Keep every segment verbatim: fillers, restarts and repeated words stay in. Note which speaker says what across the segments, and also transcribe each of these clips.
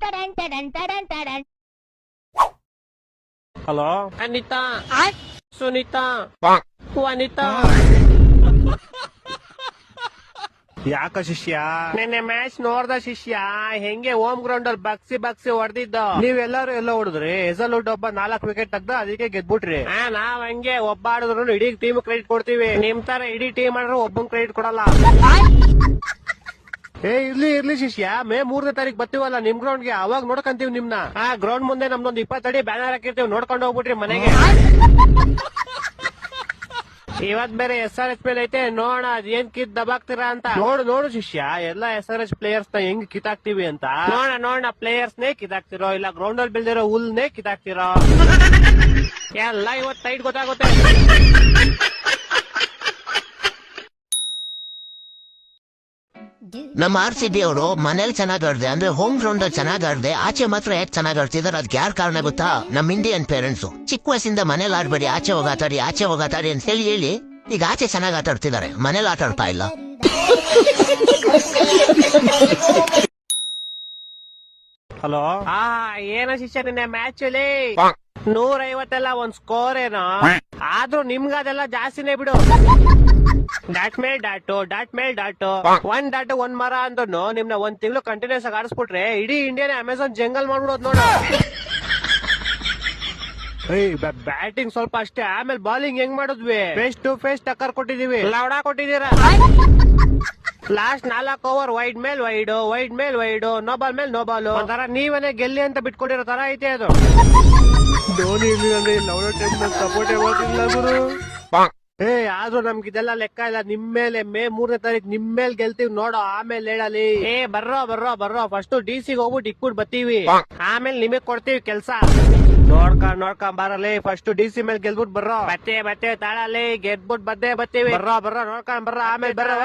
Speaker 1: Hello Anita, Sunita, ವನಿತಾ. ಯಾಕ ಶಿಷ್ಯ ನಿನ್ನೆ ಮ್ಯಾಚ್ ನೋಡ್ದ ಶಿಷ್ಯ? ಹೆಂಗೆ ಹೋಮ್ ಗ್ರೌಂಡ್ ಅಲ್ಲಿ ಬಗ್ಸಿ ಬಗ್ಸಿ ಹೊಡೆದಿದ್ದ. ನೀವೆಲ್ಲಾರು ಎಲ್ಲ ಹೊಡೆದ್ರಿ. ಹೆಸಲ್ವುಡ್ ಒಬ್ಬ ನಾಲ್ಕು ವಿಕೆಟ್ ತೆಗ್ದ, ಅದಕ್ಕೆ ಗೆದ್ಬಿಟ್ರಿ. ನಾವ್ ಹಂಗೆ ಒಬ್ಬ ಆಡಿದ್ರು ಇಡೀ ಟೀಮ್ ಕ್ರೆಡಿಟ್ ಕೊಡ್ತೀವಿ. ನಿಮ್ ತರ ಇಡೀ ಟೀಮ್ ಆಡಿದ್ರು ಒಬ್ಬನ್ ಕ್ರೆಡಿಟ್ ಕೊಡಲ್ಲ. ಏ ಇರ್ಲಿ ಇರ್ಲಿ ಶಿಷ್ಯ, ಮೇ ಮೂರನೇ ತಾರೀಕು ಬರ್ತೀವಲ್ಲ ನಿಮ್ ಗ್ರೌಂಡ್ ಗೆ, ಅವಾಗ ನೋಡ್ಕಂತೀವಿ ನಿಮ್ನ. ಆ ಗ್ರೌಂಡ್ ಮುಂದೆ ನಮ್ದೊಂದು ಇಪ್ಪತ್ತಡಿ ಬ್ಯಾನರ್ ಹಾಕಿರ್ತೀವಿ, ನೋಡ್ಕೊಂಡು ಹೋಗ್ಬಿಟ್ರಿ ಮನೆಗೆ. ಇವತ್ ಬೇರೆ ಎಸ್ ಆರ್ ಎಚ್ ಮೇಲೆ ಐತೆ, ನೋಡ ಏನ್ ಕಿತ್ ದಬಾಕ್ತೀರಾ ಅಂತ. ನೋಡು ನೋಡು ಶಿಷ್ಯ, ಎಲ್ಲಾ ಎಸ್ ಆರ್ ಎಚ್ ಪ್ಲೇಯರ್ಸ್ ನ ಹೆಂಗ್ ಕಿತ್ತಾಕ್ತಿವಿ ಅಂತ. ನೋಡ ನೋಡ ಪ್ಲೇಯರ್ಸ್ ನೇ ಕಿತ್ತಾಕ್ತಿರೋ, ಇಲ್ಲ ಗ್ರೌಂಡ್ ಅಲ್ಲಿ ಬೆಳೆದಿರೋ ಹುಲ್ನೇ ಕಿತ್ತಾಕ್ತಿರೋ ಎಲ್ಲ ಇವತ್ ಟೈಟ್ ಗೊತ್ತಾಗುತ್ತೆ.
Speaker 2: ನಮ್ಮ ಆರ್ ಸಿ ಬಿ ಅವರು ಮನೇಲಿ ಚೆನ್ನಾಗ್ ಆಡ್ದೆ, ಅಂದ್ರೆ ಹೋಮ್ ಗ್ರೌಂಡ್ ಅಲ್ಲಿ ಚೆನ್ನಾಗ್ ಆಡ್ದೆ, ಆಚೆ ಮಾತ್ರ ಯಾಕೆ ಚೆನ್ನಾಗ್ ಆಡ್ತಿದಾರೆ ಅದಕ್ಕೆ ಯಾರು ಕಾರಣ ಗೊತ್ತಾ? ನಮ್ ಇಂಡಿಯನ್ ಪೇರೆಂಟ್ಸ್ ಚಿಕ್ಕ ವಯಸ್ಸಿಂದ ಮನೇಲಿ ಆಡ್ಬೇಡಿ, ಆಚೆ ಹೋಗಾತಾಡಿ ಆಚೆ ಹೋಗಾತಾಡಿ ಅಂತ ಹೇಳಿ ಹೇಳಿ ಈಗ ಆಚೆ ಚೆನ್ನಾಗ್ ಆಟ ಆಡ್ತಿದ್ದಾರೆ, ಮನೇಲಿ ಆಟ ಆಡ್ತಾ ಇಲ್ಲ.
Speaker 1: ಹಲೋ, ಆ ಏನ ಶಿಷ್ಯ ನಿನ್ನೆ ಮ್ಯಾಚ್ ಅಲ್ಲಿ ನೂರ ಐವತ್ತೆಲ್ಲ ಒಂದ್ ಸ್ಕೋರ್ ಏನೋ, ಆದ್ರೂ ನಿಮ್ಗ ಅದೆಲ್ಲ ಜಾಸ್ತಿನೇ ಬಿಡು. Dot mail dot dot mail dot ಒಂದ್ ಡಾಟು ಒಂದ್ ಮರ ಅಂದ್ನು ನಿಮ್ನ ಒಂದ್ ತಿಂಗಳು ಕಂಟಿನ್ಯೂಸ್ ಆಗಿ ಆಡಿಸ್ಬಿಟ್ರೆ ಇಡೀ ಇಂಡಿಯಾನೇ ಅಮೆಝಾನ್ ಜಂಗಲ್ ಮಾಡ್ಬಿಡೋದ್ ನೋಡ. ಬ್ಯಾಟಿಂಗ್ ಸ್ವಲ್ಪ ಅಷ್ಟೇ, ಆಮೇಲೆ ಬಾಲಿಂಗ್ ಹೆಂಗ್ ಮಾಡಿದ್ವಿ, ಫೇಸ್ ಟು ಫೇಸ್ ಟಕ್ಕರ್ ಕೊಟ್ಟಿದೀವಿ, ಲವಡಾ ಕೊಟ್ಟಿದೀರ. ಲಾಸ್ಟ್ ನಾಲ್ಕು ಓವರ್ ವೈಡ್ ಮೇಲ್ ವೈಡ್ ವೈಡ್ ಮೇಲ್ ವೈಡ್ ನೋ ಬಾಲ್ ಮೇಲ್ ನೋ ಬಾಲ್, ಒಂಥರ ನೀವನೇ ಗೆಲ್ಲಿ ಅಂತ ಬಿಟ್ಕೊಟ್ಟಿರೋ ತರ ಐತೆ ಅದು. ಧೋನಿ ಲವಡಾ ಟೈಮ್ ಸಪೋರ್ಟ್ ಮಾಡ್ತಿಲ್ಲ ಗುರು. ಏ ಆದ್ರೂ ನಮ್ಗೆ ಇದೆಲ್ಲ ಲೆಕ್ಕ ಇಲ್ಲ. ನಿಮ್ ಮೇಲೆ ಮೇ ಮೂರನೇ ತಾರೀಕು ನಿಮ್ ಮೇಲೆ ಗೆಲ್ತೀವಿ ನೋಡೋ, ಆಮೇಲೆ ಹೇಳಲಿ. ಏ ಬರ್ರೋ ಬರ್ರೋ ಬರ್ರೋ, ಫಸ್ಟ್ ಡಿ ಸಿ ಹೋಗ್ಬಿಟ್ಟು ಇಕ್ಬಿಟ್ಟು ಬರ್ತೀವಿ, ಆಮೇಲೆ ನಿಮಗ್ ಕೊಡ್ತೀವಿ ಕೆಲ್ಸ. ನೋಡ್ಕೊಂಡ್ ನೋಡ್ಕೊಂಡ್ ಬರಲಿ, ಫಸ್ಟ್ ಡಿ ಸಿ ಮೇಲೆ ಗೆಲ್ಬಿಟ್ಟು ಬರ್ರೋ. ಬತ್ತೇ ಬತ್ತೇ ತಾಳಲಿ, ಗೆದ್ಬಿಟ್ಟು ಬದ್ದೇ ಬರ್ತೀವಿ. ಬರ್ರೋ ಬರ್ರೋ ನೋಡ್ಕೊಂಡ್ ಬರ್ರೋ, ಆಮೇಲೆ ಬರ್ರೋ.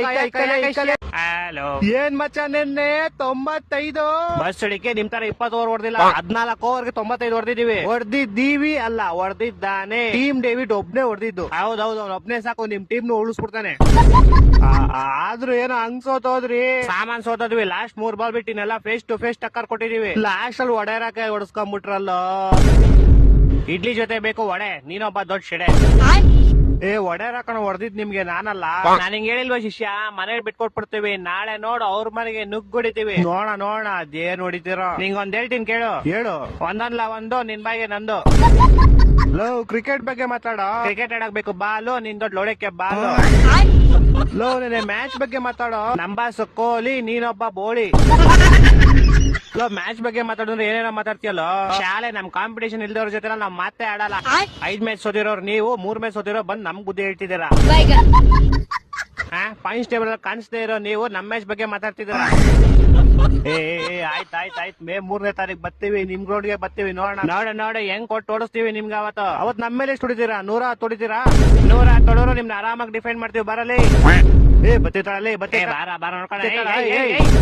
Speaker 1: ಹಲೋ, ಏನ್ ಮಚ್ಚ ನಿನ್ನೆ ತೊಂಬತ್ತೈದು ಬಸ್ ಹಿಡಿಕೆ ನಿಮ್ ತರ ಇಪ್ಪತ್ತು ಓವರ್ ಹೊಡೆದಿಲ್ಲ, ಹದ್ನಾಲ್ಕು ಓವರ್ಗೆ ತೊಂಬತ್ತೈದು ಹೊಡೆದಿದೀವಿ. ಹೊಡೆದಿದ್ದೀವಿ ಅಲ್ಲ, ಹೊಡೆದಿದ್ದಾನೆ. ಟೀಮ್ ಡೇವಿಡ್ ಒಬ್ನೇ ಹೊಡೆದಿದ್ದು. ಹೌದೌದು, ಅವ್ನು ಒಬ್ನೇ ಸಾಕು ನಿಮ್ ಟೀಮ್ ನು ಉಳಿಸ್ಬಿಡ್ತಾನೆ. ಆದ್ರೂ ಏನೋ ಹಂಗ್ ಸೋತೋದ್ರಿ, ಸಾಮಾನ್ ಸೋತೋದ್ವಿ. ಲಾಸ್ಟ್ ಮೂರ್ ಬಾಲ್ ಬಿಟ್ಟಿನೆಲ್ಲ ಫೇಸ್ ಟು ಫೇಸ್ ಟಕ್ಕರ್ ಕೊಟ್ಟಿದೀವಿ. ಲಾಸ್ಟ್ ಅಲ್ಲಿ ಒಡೆಯರಾಕ ಹೊಡ್ಸ್ಕೊಂಡ್ಬಿಟ್ರಲ್ಲ. ಇಡ್ಲಿ ಜೊತೆ ಬೇಕು ವಡೆ, ನೀನೊಬ್ಬ ದೊಡ್ಡ ಶೆಡೆ. ಏ ಒಡೆಯರ್ ಹಾಕೊಂಡು ಹೊಡೆದಿದ್ ನಿಮ್ಗೆ ನಾನಲ್ಲ. ನಾನು ಹಿಂಗ್ ಹೇಳಿಲ್ವ ಶಿಷ್ಯ, ಮನೇಲಿ ಬಿಟ್ಕೊಟ್ಬಿಡ್ತೀವಿ, ನಾಳೆ ನೋಡು ಅವ್ರ ಮನೆಗೆ ನುಗ್ಗುಡಿತೀವಿ. ನೋಡ ನೋಡ ಅದೇನ್ ಹೊಡಿತೀರೋ. ನಿಂಗ್ ಒಂದ್ ಹೇಳ್ತೀನಿ ಕೇಳು. ಹೇಳು. ಒಂದಲ್ಲ ಒಂದು, ನಿನ್ ಬಾಯಿಗೆ ನಂದು. ಲೋ ಕ್ರಿಕೆಟ್ ಬಗ್ಗೆ ಮಾತಾಡೋ. ಕ್ರಿಕೆಟ್ ಆಡಕ್ ಬೇಕು ಬಾಲು, ನಿನ್ ದೊಡ್ಡ ಲೋಡಕ್ಕೆ ಬಾಲು. ಲೋ ನೀನೆ ಮ್ಯಾಚ್ ಬಗ್ಗೆ ಮಾತಾಡೋ. ನಂಬಾಸ್ ಕೊಹ್ಲಿ, ನೀನೊಬ್ಬ ಬೋಳಿ. ಲೋ ಮ್ಯಾಚ್ ಬಗ್ಗೆ ಮಾತಾಡಿದ್ರೆ ಏನೇನೋ ಮಾತಾಡ್ತೀಯಲ್ಲೋ. ಶಾಲೆ ನಮ್ ಕಾಂಪಿಟೇಷನ್ ಇಲ್ದವ್ರ ಜೊತೆ ನಾವ್ ಮಾತೇ ಆಡಲ್ಲ. ಐದ್ ಮ್ಯಾಚ್ ಸೋತಿರೋರು ನೀವು, ಮೂರ್ ಮ್ಯಾಚ್ ಸೋತಿರೋ ಬಂದ್ ನಮ್ ಬುದ್ಧಿ ಹೇಳ್ತಿದ್ದೀರಾ. ಪಾಯಿಂಟ್ಸ್ ಟೇಬಲ್ ಕಾಣಿಸ್ದೇ ಇರೋ ನೀವು ನಮ್ ಮ್ಯಾಚ್ ಬಗ್ಗೆ ಮಾತಾಡ್ತಿದ್ದೀರಾ. ಏ ಆಯ್ತ್ ಆಯ್ತ್ ಆಯ್ತ್ ಮೇ ಮೂರನೇ ತಾರೀಕು ಬರ್ತೀವಿ, ನಿಮ್ ಗ್ರೌಂಡ್ ಗೆ ಬರ್ತೀವಿ. ನೋಡ ನೋಡ ನೋಡ ಹೆಂಗ್ ಕೊಟ್ಟು ಓಡಿಸ್ತೀವಿ ನಿಮ್ಗೆ. ಅವತ್ತು ಅವತ್ ನಮ್ ಮೇಲೆ ಎಷ್ಟು ಹೊಡಿತೀರಾ? ನೂರ ಹತ್ತು ಹೊಡಿತೀರಾ? ನೂರ ಹತ್ತು ಹೊಡೋರು ನಿಮ್ನ ಆರಾಮಾಗಿ ಡಿಫೆಂಡ್ ಮಾಡ್ತೀವಿ. ಬರಲಿ. ಏ ಬತ್ತಿ ಬತ್ತಿ ಬಾರ ಬಾರ ನೋಡ್ಕೊಂಡು.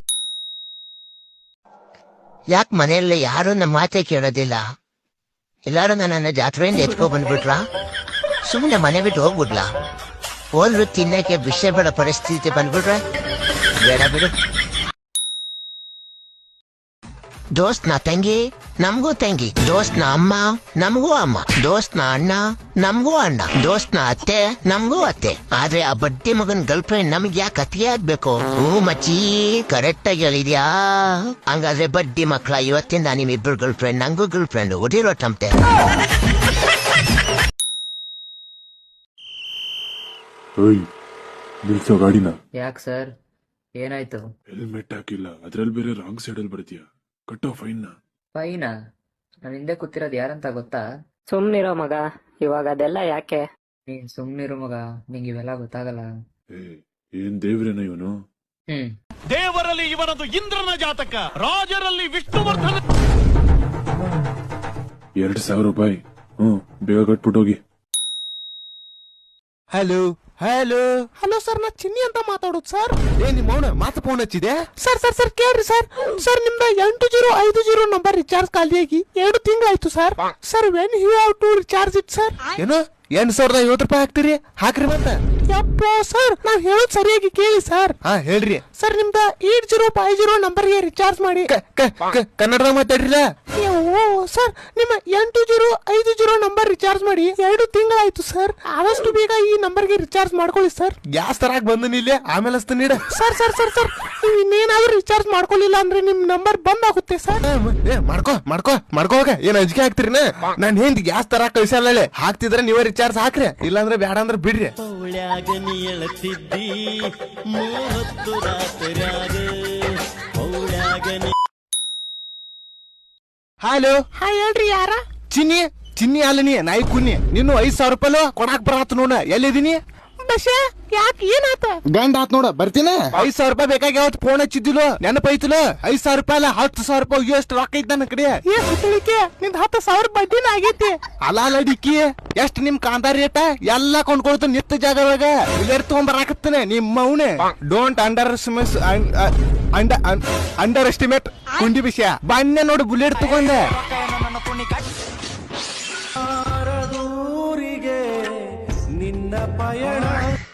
Speaker 2: ಯಾಕೆ ಮನೆಯಲ್ಲಿ ಯಾರು ನಮ್ಮ ಮಾತೆ ಕೇಳೋದಿಲ್ಲ? ಎಲ್ಲಾರು ನನ್ನ ಜಾತ್ರೆಯಿಂದ ಎತ್ಕೊ ಬಂದ್ಬಿಟ್ರಾ? ಸುಮ್ಮನೆ ಮನೆ ಬಿಟ್ಟು ಹೋಗ್ಬಿಡ್ಲಾ? ಹೋದ್ರು ತಿನ್ನಕ್ಕೆ ವಿಷಯ ಬೇಡ ಪರಿಸ್ಥಿತಿ ಬಂದ್ಬಿಟ್ರೆ ಬೇಡ ಬಿಡು. ದೋಸ್ತ್ ನ ತಂಗಿ ನಮಗೂ ತಂಗಿ, ದೋಸ್ತ್ ನ ಅಮ್ಮ ನಮಗೂ ಅಮ್ಮ, ದೋಸ್ತ್ ನ ಅಣ್ಣ ನಮಗೂ ಅಣ್ಣ, ದೋಸ್ತ್ ನ ಅತ್ತೆ ನಮಗೂ ಅತ್ತೆ. ಆದ್ರೆ ಆ ಬಡ್ಡಿ ಮಗನ್ ಗರ್ಲ್ ಫ್ರೆಂಡ್ ನಮ್ಗೆ ಯಾಕೆ ಅತಿಗೆ ಆಗ್ಬೇಕು? ಹ್ಞೂ ಮಚ್ಚಿ, ಕರೆಕ್ಟ್ ಆಗಿ ಹೇಳಿದ್ಯಾ. ಹಂಗಾದ್ರೆ ಬಡ್ಡಿ ಮಕ್ಳ, ಇವತ್ತಿಂದ ನಿಮ್ಮಿಬ್ರು ಗರ್ಲ್ ಫ್ರೆಂಡ್, ನಂಗೂ ಗರ್ಲ್ ಫ್ರೆಂಡ್ ಒಡಿರೋ ಟಂತೆ.
Speaker 3: ನಿಲ್ಸೋ ಗಾಡಿನ.
Speaker 4: ಯಾಕೆ ಸರ್, ಏನಾಯ್ತು?
Speaker 3: ಹೆಲ್ಮೆಟ್ ಹಾಕಿಲ್ಲ, ಅದ್ರಲ್ಲಿ ಬೇರೆ ರಾಂಗ್ ಸೈಡ್ ಅಲ್ಲಿ ಬರ್ತೀಯ, ಕಟ್ಟೋ ಫೈನ್.
Speaker 4: ಫೈನಾ? ನಾನು ಹಿಂದೆ ಕೂತಿರೋದು ಯಾರಂತ ಗೊತ್ತಾ?
Speaker 5: ಸುಮ್ನಿರೋ ಮಗ, ಇವಾಗ ಅದೆಲ್ಲ ಯಾಕೆ?
Speaker 4: ನೀನ್ ಸುಮ್ನಿರು ಮಗ, ನಿಂಗೆ ಇವೆಲ್ಲ ಗೊತ್ತಾಗಲ್ಲ.
Speaker 3: ಏನ್ ದೇವ್ರೇನ ಇವನು?
Speaker 4: ಹ್ಮ್
Speaker 6: ದೇವರಲ್ಲಿ ಇವನದು ಇಂದ್ರನ ಜಾತಕ, ರಾಜರಲ್ಲಿ ವಿಷ್ಣುವರ್ಧನ.
Speaker 3: ಎರಡ್ ಸಾವಿರ ರೂಪಾಯಿ. ಹ್ಮ್ ಬೇಗ ಕಟ್ಬಿಟ್ಟೋಗಿ.
Speaker 7: ಹಲೋ ಹಲೋ ಹಲೋ ಸರ್, ನಾ ಚಿನ್ನಿ ಅಂತ ಮಾತಾಡೋದು ಸರ್. ಏ ನಿಮ್ಮ ಅವನ ಮಾತು ಫೋನ್ ಹಚ್ಚಿದೆ ಸರ್. ಸರ್ ಸರ್ ಕೇಳ್ರಿ ಸರ್. ಸರ್ ನಿಮ್ದ ಎಂಟು ಜೀರೋ ಐದು ಜೀರೋ ನಂಬರ್ ರಿಚಾರ್ಜ್ ಖಾಲಿಯಾಗಿ ಎರಡು ತಿಂಗಳಾಯ್ತು sir. Sir when you have to recharge it sir? ಏನೋ ಎಂಟ್ ಸಾವಿರದ ಐವತ್ತು ರೂಪಾಯಿ ಹಾಕ್ತಿರಿ ಹಾಕ್ರಿ ಮತ್ತ ಯಪ್ಪ ಸರ್ ನಾವ್ ಹೇಳೋದ್ ಸರಿಯಾಗಿ ಕೇಳಿ ಸರ್ ಹಾ ಹೇಳ್ರಿ ಸರ್ ನಿಮ್ದ ಏಟ್ ಜೀರೋ ಫೈವ್ ಜೀರೋ ನಂಬರ್ಗೆ ರಿಚಾರ್ಜ್ ಮಾಡಿ ಕನ್ನಡದಾಗ ಮಾತಾಡ್ರಿಲ್ಲ ಸರ್ ನಿಮ್ಮ ಎಂಟು ಜೀರೋ ಐದು ಜೀರೋ ನಂಬರ್ ರಿಚಾರ್ಜ್ ಮಾಡಿ ಎರಡು ತಿಂಗಳಾಯ್ತು ಸರ್ ಆದಷ್ಟು ಬೇಗ ಈ ನಂಬರ್ಗೆ ರಿಚಾರ್ಜ್ ಮಾಡ್ಕೊಳ್ಳಿ ಸರ್ ಗ್ಯಾಸ್ ತರಾಕ್ ಬಂದನಿ ಇಲ್ಲಿ ಆಮೇಲೆ ಅಸ್ತ ನೀಡ ಸರ್ ಸರ್ ಸರ್ ಸರ್ ನೀವು ಇನ್ನೇನಾದ್ರೂ ರಿಚಾರ್ಜ್ ಮಾಡ್ಕೊಳ್ಳಿಲ್ಲ ಅಂದ್ರೆ ನಿಮ್ ನಂಬರ್ ಬಂದ್ ಆಗುತ್ತೆ ಸರ್ ಏ ಮಾಡ್ಕೋ ಮಾಡ್ಕೋ ಮಾಡ್ಕೋ ಹೋಗ ಏನ್ ಅಂಜಿಕೆ ಹಾಕ್ತಿರಿನ ನಾನ್ ಹಿಂದ್ ಗ್ಯಾಸ್ ತರಾಕ್ ಕಳ್ಸಲ್ಲ ಹಾಕ್ತಿದ್ರೆ ನೀವೇ ರಿಚಾರ್ಜ್ ಹಾಕ್ರಿ ಇಲ್ಲಾಂದ್ರೆ ಬ್ಯಾಡ ಅಂದ್ರೆ ಬಿಡ್ರಿ ಹಲೋ ಹಾಯ್ ಹೇಳ್ರಿ ಯಾರ ಚಿನ್ನಿ ಚಿನ್ನಿ ಅಲ್ಲ ನೀ ನಾಯಿ ಕುನ್ನಿ ನೀನು ಐದ್ ಸಾವಿರ ರೂಪಾಯಿ ಕೊಡಾಕ್ ಬರತ್ ನೋಡ ಎಲ್ಲಿದೀನಿ ಬಶೆ ಯಾಕೆ ಏನಾತ ಗಂಡ ಆತ್ ನೋಡ ಬರ್ತೀನ ಐದ್ ಸಾವಿರ ರೂಪಾಯಿ ಬೇಕಾಗಿ ಯಾವತ್ ಫೋನ್ ಹಚ್ಚಿದ್ದಿಲ್ಲ ನೆನಪೈತಿಲ್ಲ ಐದ್ ಸಾವಿರ ರೂಪಾಯಿ ಅಲ್ಲ ಹತ್ತು ಸಾವಿರ ರೂಪಾಯಿ ಎಷ್ಟು ರೊಕ್ಕ ಐತ್ ನನ್ನ ಕಡೆ ನಿಂದ ಹತ್ತು ಸಾವಿರ ಬಡ್ಡಿನ ಆಗೈತಿ ಅಲ್ಲ ಅಲ್ಲ ಡಿಕ್ಕಿ ಎಷ್ಟ್ ನಿಮ್ ಕಾಂತಾರ ರೇಟ ಎಲ್ಲಾ ಕೊಂಡ್ಕೊಳ್ತ ನಿತ್ತ ಜಾಗದಾಗ ಇಲ್ಲೇರ್ ತಗೊಂಬರಾಕತ್ತಾನೆ ನಿಮ್ ಮೌನೆ ಡೋಂಟ್ ಅಂಡರ್ ಅಂಡರ್ ಎಸ್ಟಿಮೇಟ್ ಕುಂಡಿ ವಿಷಯ ಬನ್ನೆ ನೋಡಿ ಬುಲೆಟ್ ತಗೊಂಡೆ ನಿನ್ನ ಪಯಣ